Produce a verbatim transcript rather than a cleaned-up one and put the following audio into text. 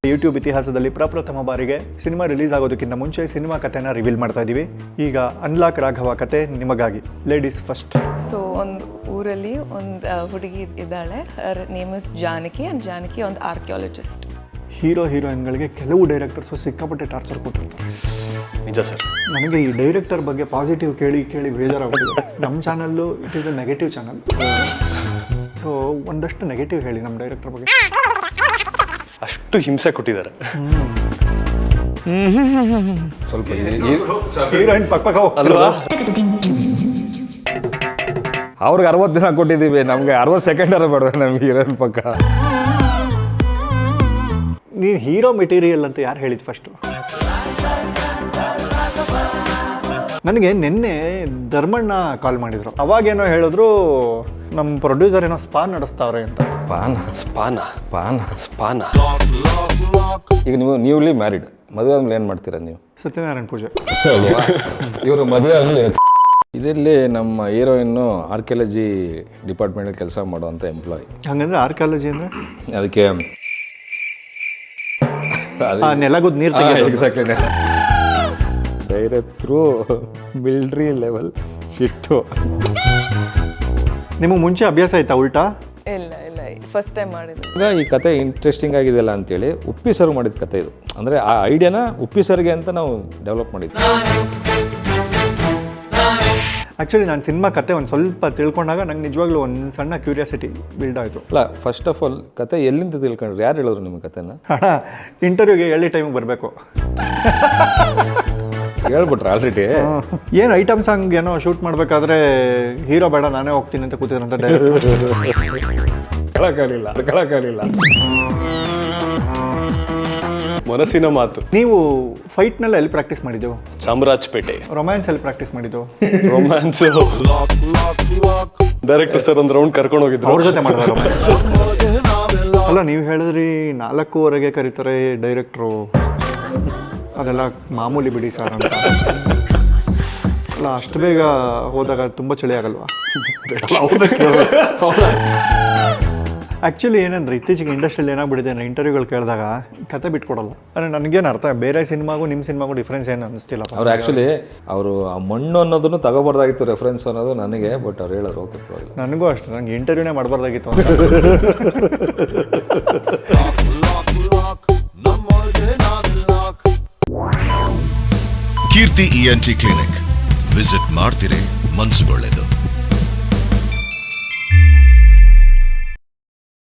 YouTube ಇತಿಹಾಸದಲ್ಲಿ ಪ್ರಪ್ರಥಮ ಬಾರಿಗೆ ಸಿನಿಮಾ ರಿಲೀಸ್ ಆಗೋದಕ್ಕಿಂತ ಮುಂಚೆ ಸಿನಿಮಾ ಕಥೆನ ರಿವೀಲ್ ಮಾಡ್ತಾ ಇದ್ದೀವಿ. ಈಗ ಅನ್ಲಾಕ್ ರಾಘವ ಕತೆ ನಿಮಗಾಗಿ. Ladies first. ಸೊ ಒಂದು ಊರಲ್ಲಿ ಒಂದು ಹುಡುಗಿ ಇದ್ದಾಳೆ. Name is Janaki and Janaki ಒಂದು ಆರ್ಕಿಯಾಲಜಿಸ್ಟ್. ಹೀರೋ ಹೀರೋಯಿನ್ಗಳಿಗೆ ಕೆಲವು ಡೈರೆಕ್ಟರ್ಸು ಸಿಕ್ಕಾಪಟ್ಟೆ ಟಾರ್ಚರ್ ಕೊಟ್ಟಿರ್ತಾರೆ. ನಿಜ ಸರ್. ನನಗೆ ಈ ಡೈರೆಕ್ಟರ್ ಬಗ್ಗೆ ಪಾಸಿಟಿವ್ ಕೇಳಿ ಕೇಳಿ ಬೇಜಾರಾಗ್ತಿದೆ. ನಮ್ಮ channel it is a negative channel. So ಒಂದಷ್ಟು ನೆಗೆಟಿವ್ ಹೇಳಿ ನಮ್ಮ ಡೈರೆಕ್ಟರ್ ಬಗ್ಗೆ. ಅಷ್ಟು ಹಿಂಸೆ ಕೊಟ್ಟಿದ್ದಾರೆ. ಸ್ವಲ್ಪ ಹೀರೋಯಿನ್ ಪಕ್ಕ ಪಕ್ಕ ಹೋಗ್ತಲ್ವಾ? ಅವ್ರಿಗೆ ಅರವತ್ತು ದಿನ ಕೊಟ್ಟಿದ್ದೀವಿ, ನಮಗೆ ಅರವತ್ತು ಸೆಕೆಂಡರ ಬೇಡ ನಮ್ಗೆ ಹೀರೋಯಿನ್ ಪಕ್ಕ. ನೀನು ಹೀರೋ ಮೆಟೀರಿಯಲ್ ಅಂತ ಯಾರು ಹೇಳಿದ್ದು ಫಸ್ಟು? ನನಗೆ ನಿನ್ನೆ ಧರ್ಮಣ್ಣ ಕಾಲ್ ಮಾಡಿದರು. ಅವಾಗೇನೋ ಹೇಳಿದ್ರು ನಮ್ಮ ಪ್ರೊಡ್ಯೂಸರ್ ಏನೋ ಸ್ಪಾ ನಡೆಸ್ತಾವ್ರೆ ಅಂತ. ಪಾನ ಸ್ಪಾನ ಪಾನ ಸ್ಪಾನ ಈಗ ನೀವು ನ್ಯೂಲಿ ಮ್ಯಾರಿಡ್, ಮದುವೆ ಆದ್ಮೇಲೆ ಏನು ಮಾಡ್ತೀರಾ ನೀವು? ಸತ್ಯನಾರಾಯಣ ಪೂಜೆ. ಇವರು ಮದುವೆ ಆಗಲಿ. ಇದರಲ್ಲಿ ನಮ್ಮ ಹೀರೋಯಿನ್ನು ಆರ್ಕಿಯಾಲಜಿ ಡಿಪಾರ್ಟ್ಮೆಂಟಲ್ಲಿ ಕೆಲಸ ಮಾಡುವಂಥ ಎಂಪ್ಲಾಯ್. ಹಂಗಂದ್ರೆ ಆರ್ಕಿಯಾಲಜಿ ಅಂದರೆ ಅದಕ್ಕೆ ನೆಲಗುದ್ ನೀರು ತೆಗೆಯೋದು. ಎಕ್ಸಾಕ್ಟ್ಲಿ. ಡೈರೆಕ್ಟ್ರು ಮಿಲ್ಟ್ರಿ ಲೆವೆಲ್ ಶಿಟ್ಟು. ನಿಮಗೆ ಮುಂಚೆ ಅಭ್ಯಾಸ ಆಯ್ತಾ ಉಲ್ಟಾ? ಇಲ್ಲ ಇಲ್ಲ ಫಸ್ಟ್ ಟೈಮ್ ಮಾಡಿದ್ದು. ಈಗ ಈ ಕತೆ ಇಂಟ್ರೆಸ್ಟಿಂಗ್ ಆಗಿದೆಯಲ್ಲ ಅಂತೇಳಿ ಉಪ್ಪಿ ಸರ್ ಮಾಡಿದ ಕತೆ ಇದು. ಅಂದರೆ ಆ ಐಡಿಯಾನ ಉಪ್ಪಿ ಸರ್ಗೆ ಅಂತ ನಾವು ಡೆವಲಪ್ ಮಾಡಿದ್ವಿ. ಆ್ಯಕ್ಚುಲಿ ನಾನು ಸಿನಿಮಾ ಕತೆ ಒಂದು ಸ್ವಲ್ಪ ತಿಳ್ಕೊಂಡಾಗ ನಂಗೆ ನಿಜವಾಗ್ಲೂ ಒಂದು ಸಣ್ಣ ಕ್ಯೂರಿಯಾಸಿಟಿ ಬಿಲ್ಡ್ ಆಯಿತು. ಅಲ್ಲ, ಫಸ್ಟ್ ಆಫ್ ಆಲ್ ಕತೆ ಎಲ್ಲಿಂದ ತಿಳ್ಕೊಂಡ್ರಿ? ಯಾರು ಹೇಳಿದ್ರು ನಿಮ್ಮ ಕತೆನ? ಹಣ ಇಂಟರ್ವ್ಯೂಗೆ ಎಲ್ಲಿ ಟೈಮಿಗೆ ಬರಬೇಕು ಹೇಳ್ಬಿಟ್ರೆ ಆಲ್ರೆಡಿ. ಏನು ಐಟಮ್ ಸಾಂಗ್ ಏನೋ ಶೂಟ್ ಮಾಡಬೇಕಾದ್ರೆ ಹೀರೋ ಬೇಡ ನಾನೇ ಹೋಗ್ತೀನಿ ಅಂತ ಕೂತಿದ್ರಂತ ಕಳಕಾಲಿಲ್ಲ ಕಳಕಾಲಿಲ್ಲ ಮನಸ್ಸಿನ ಮಾತು. ನೀವು ಫೈಟ್ನೆಲ್ಲ ಎಲ್ಲಿ ಪ್ರಾಕ್ಟೀಸ್ ಮಾಡಿದ್ದು? ಚಾಮರಾಜಪೇಟೆ. ರೊಮ್ಯಾನ್ಸ್ ಎಲ್ಲಿ ಪ್ರಾಕ್ಟೀಸ್ ಮಾಡಿದ್ದು? ರೊಮ್ಯಾನ್ಸ್ ಡೈರೆಕ್ಟರ್ ಸರ್ ಒಂದು ರೌಂಡ್ ಕರ್ಕೊಂಡು ಹೋಗಿದ್ರು, ಅವ್ರ ಜೊತೆ ಮಾಡಿದ ರೊಮ್ಯಾನ್ಸ್. ಅಲ್ಲ, ನೀವು ಹೇಳಿದ್ರಿ ನಾಲ್ಕೂವರೆಗೆ ಕರೀತಾರೆ ಡೈರೆಕ್ಟ್ರು, ಅದೆಲ್ಲ ಮಾಮೂಲಿ ಬಿಡಿ ಸರ್ ಅಂತ. ಅಲ್ಲ, ಅಷ್ಟು ಬೇಗ ಹೋದಾಗ ತುಂಬ ಚಳಿ ಆಗಲ್ವಾ? ಆ್ಯಕ್ಚುಲಿ ಏನಂದ್ರೆ ಇತ್ತೀಚೆಗೆ ಇಂಡಸ್ಟ್ರಿಯಲ್ಲಿ ಏನಾಗ್ಬಿಟ್ಟಿದೆ ಅಂದರೆ ಇಂಟರ್ವ್ಯೂಗಳು ಕೇಳಿದಾಗ ಕತೆ ಬಿಟ್ಕೊಡಲ್ಲ. ಅಂದರೆ ನನಗೇನು ಅರ್ಥ, ಬೇರೆ ಸಿನಿಮಾಗೂ ನಿಮ್ಮ ಸಿನಿಮಾಗೂ ಡಿಫ್ರೆನ್ಸ್ ಏನು ಅನ್ನಿಸ್ತಿಲ್ಲ. ಅವ್ರು ಆ್ಯಕ್ಚುಲಿ ಅವರು ಆ ಮಣ್ಣು ಅನ್ನೋದನ್ನು ತಗೋಬಾರ್ದಾಗಿತ್ತು ರೆಫರೆನ್ಸ್ ಅನ್ನೋದು ನನಗೆ. ಬಟ್ ಅವ್ರು ಹೇಳೋರು ಓಕೆ ಪರವಾಗಿಲ್ಲ. ನನಗೂ ಅಷ್ಟೇ, ನನಗೆ ಇಂಟರ್ವ್ಯೂನೇ ಮಾಡಬಾರ್ದಾಗಿತ್ತು. Keerthi E N T clinic visit ಮಾಡ್ತಿರೇ ಮನಸ್ಸುಗೊಳ್ಳೆದು.